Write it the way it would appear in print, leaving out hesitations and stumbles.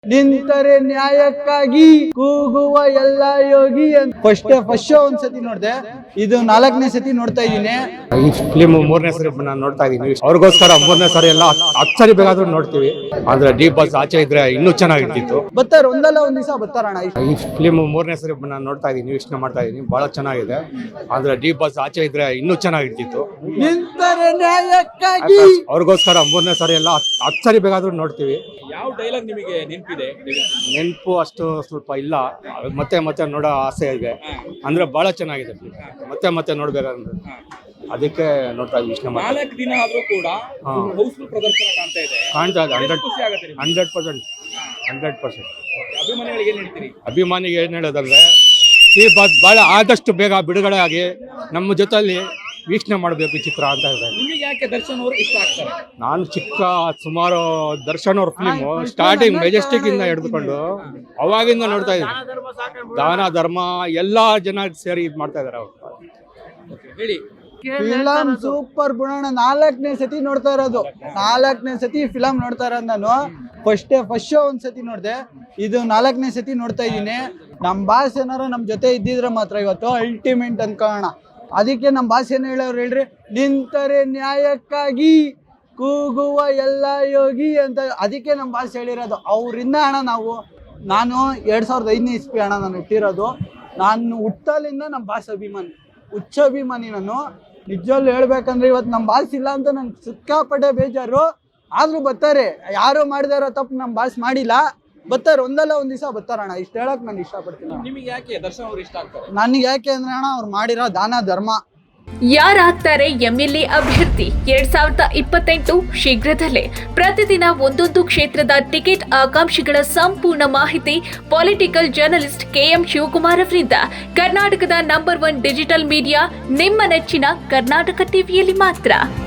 ನಿಂತರೆ ನ್ಯಾಯಕ್ಕಾಗಿ ಕೂಗುವ ಎಲ್ಲ ಯೋಗಿ ಅಂತ ಫಸ್ಟ್ ಶೋ ಒಂದ್ಸತಿ ನೋಡ್ದೆ, ಇದು 4ನೇ ಸತಿ ನೋಡ್ತಾ ಇದ್ದೀನಿ. ಈ ಫಿಲ್ಮ್ 3ನೇ ಸರಿ ನಾನು ನೋಡ್ತಾ ಇದೀನಿ. ಅವ್ರಿಗೋಸ್ಕರ 3ನೇ ಸರಿ ಎಲ್ಲ 10 ಸರಿ ಬೇಕಾದ್ರೂ ನೋಡ್ತೀವಿ. ಆದ್ರೆ ಡಿ ಬಾಸ್ ಆಚೆ ಇದ್ರೆ ಇನ್ನೂ ಚೆನ್ನಾಗಿರ್ತಿತ್ತು. ಬರ್ತಾರೆ, ಒಂದಲ್ಲ ಒಂದ್ ದಿವಸ ಬರ್ತಾರಣ. ಈ ಫಿಲ್ಮ್ 3ನೇ ಸರಿ ನಾನು ನೋಡ್ತಾ ಇದೀನಿ, ಯೋಚನೆ ಮಾಡ್ತಾ ಇದೀನಿ. ಬಹಳ ಚೆನ್ನಾಗಿದೆ. ಆದ್ರೆ ಡಿ ಬಾಸ್ ಆಚೆ ಇದ್ರೆ ಇನ್ನೂ ಚೆನ್ನಾಗಿರ್ತಿತ್ತು. ನಿಂತರೆ ನ್ಯಾಯಕ್ಕಾಗಿ ಅವ್ರಿಗೋಸ್ಕರ 3ನೇ ಸರಿ ಎಲ್ಲ 10 ಸರಿ ಬೇಕಾದ್ರೂ ನೋಡ್ತೀವಿ. ಯಾವ ಡೈಲಾಗ್ ನಿಮಗೆ ನೆನಪಿದೆ? ನೆನಪು ಅಷ್ಟು ಸ್ವಲ್ಪ ಇಲ್ಲ, ಮತ್ತೆ ಮತ್ತೆ ನೋಡೋ ಆಸೆ ಇದೆ. ಅಂದ್ರೆ ಬಹಳ ಚೆನ್ನಾಗಿದೆ film. ಮತ್ತೆ ನೋಡ್ಬೇಕಂದ್ರೆ ಅದಕ್ಕೆ ನೋಡ್ತಾ ಇದ್ದೀವಿ. ಇಷ್ಟ 4 ದಿನ ಆದ್ರೂ ಕೂಡ ಹೌಸ್ಫುಲ್ ಪ್ರದರ್ಶನ ಕಾಣ್ತಾ ಇದೆ. ಕಾಣ್ತಾ ಇದೆ. ಖುಷಿ ಆಗುತ್ತೆ ನಿಮ್ಗೆ? 100%. ಅಭಿಮಾನಿಗಳಿಗೆ ಏನ್ ಹೇಳ್ತೀರಿ? ಅಭಿಮಾನಿಗೆ ಏನ್ ಹೇಳೋದಂದ್ರೆ, ಈ ಬಹಳ ಆದಷ್ಟು ಬೇಗ ಬಿಡುಗಡೆ ಆಗಿ ನಮ್ಮ ಜೊತೆಲಿ ವೀಕ್ಷಣೆ ಮಾಡಬೇಕು ಈ ಚಿತ್ರ ಅಂತ ಇದೆ. ನಿಮಗೆ ಯಾಕೆ ದರ್ಶನ್ ಅವರು ಇಷ್ಟ ಆಗ್ತಾರೆ? ನಾನು ಸುಮಾರು ದರ್ಶನ್ ಅವ್ರ ಫಿಲ್ಮ್ ಸ್ಟಾರ್ಟಿಂಗ್ ಮೆಜೆಸ್ಟಿಕ್ ಇಂದ ಹಿಡಿದುಕೊಂಡು ಅವಾಗಿಂದ ನೋಡ್ತಾ ಇದ್ದೀನಿ. ದಾನ ಧರ್ಮ ಎಲ್ಲಾ ಜನ ಸೇರಿ ಇದ್ ಮಾಡ್ತಾ ಇದಾರೆ ಅವ್ರು. ಹೇಳಿ. ಫಿಲಂ ಸೂಪರ್ ಬುಣಣ್ಣ. 4ನೇ ಸತಿ ನೋಡ್ತಾ ಇರೋದು. 4ನೇ ಸತಿ ಫಿಲಂ ನೋಡ್ತಾ ಇರೋದು ನಾನು. ಫಸ್ಟ್ ಶೋ ಒಂದ್ಸತಿ ನೋಡ್ದೆ, ಇದು 4ನೇ ಸತಿ ನೋಡ್ತಾ ಇದ್ದೀನಿ. ನಮ್ ಬಾಸ್ ಏನಾರ ನಮ್ ಜೊತೆ ಇದ್ದಿದ್ರೆ ಮಾತ್ರ ಇವತ್ತು ಅಲ್ಟಿಮೇಟ್ ಅನ್ಕೋಣ. ಅದಕ್ಕೆ ನಮ್ಮ ಬಾಸ್ ಏನು ಹೇಳೋರು ಹೇಳ್ರಿ, ನಿಂತರೆ ನ್ಯಾಯಕ್ಕಾಗಿ ಕೂಗುವ ಎಲ್ಲ ಯೋಗಿ ಅಂತ. ಅದಕ್ಕೆ ನಮ್ಮ ಬಾಸ್ ಹೇಳಿರೋದು. ಅವರಿಂದ ಅಣ್ಣ ನಾನು 2005ನೇ ಇಸ್ವಿ ಅಣ್ಣ ನಾನು ಹುಟ್ಟಿರೋದು. ನಾನು ಹುಟ್ಟಲಿಂದ ನಮ್ಮ ಬಾಸ್ ಅಭಿಮಾನಿ, ಹುಚ್ಚ ಅಭಿಮಾನಿ ನಾನು. ನಿಜವಲ್ಲೂ ಹೇಳ್ಬೇಕಂದ್ರೆ ಇವತ್ತು ನಮ್ಮ ಬಾಸ್ ಇಲ್ಲ ಅಂತ ನಂಗೆ ಸಿಕ್ಕಾಪಟ್ಟೆ ಬೇಜಾರು. ಆದರೂ ಬರ್ತಾರೆ, ಯಾರು ಮಾಡಿದಾರೋ ತಪ್ಪು ನಮ್ಮ ಬಾಸ್ ಮಾಡಿಲ್ಲ. ಬರ್ತಾರೆ, ಒಂದಲ್ಲ ಒಂದ್ ದಿವಸ ಬರ್ತಾರಣ್ಣ. ಇಷ್ಟ ಹೇಳಕ್ ನಾನು ಇಷ್ಟಪಡ್ತೀನಿ. ನಿಮಗೆ ಯಾಕೆ ದರ್ಶನ್ ಅವರು ಇಷ್ಟ ಆಗ್ತಾರೆ? ನನಗೆ ಯಾಕೆ ಅಂದ್ರೆ ಅಣ್ಣ, ಅವ್ರು ಮಾಡಿರೋ ದಾನ ಧರ್ಮ. ಯಾರಾಗ್ತಾರೆ ಎಂಎಲ್ಎ ಅಭ್ಯರ್ಥಿ 2028 ಶೀಘ್ರದಲ್ಲೇ. ಪ್ರತಿದಿನ ಒಂದೊಂದು ಕ್ಷೇತ್ರದ ಟಿಕೆಟ್ ಆಕಾಂಕ್ಷಿಗಳ ಸಂಪೂರ್ಣ ಮಾಹಿತಿ ಪೊಲಿಟಿಕಲ್ ಜರ್ನಲಿಸ್ಟ್ KM ಶಿವಕುಮಾರ್ ಅವರಿಂದ. ಕರ್ನಾಟಕದ ನಂಬರ್ 1 ಡಿಜಿಟಲ್ ಮೀಡಿಯಾ ನಿಮ್ಮ ನೆಚ್ಚಿನ ಕರ್ನಾಟಕ ಟಿವಿಯಲ್ಲಿ ಮಾತ್ರ.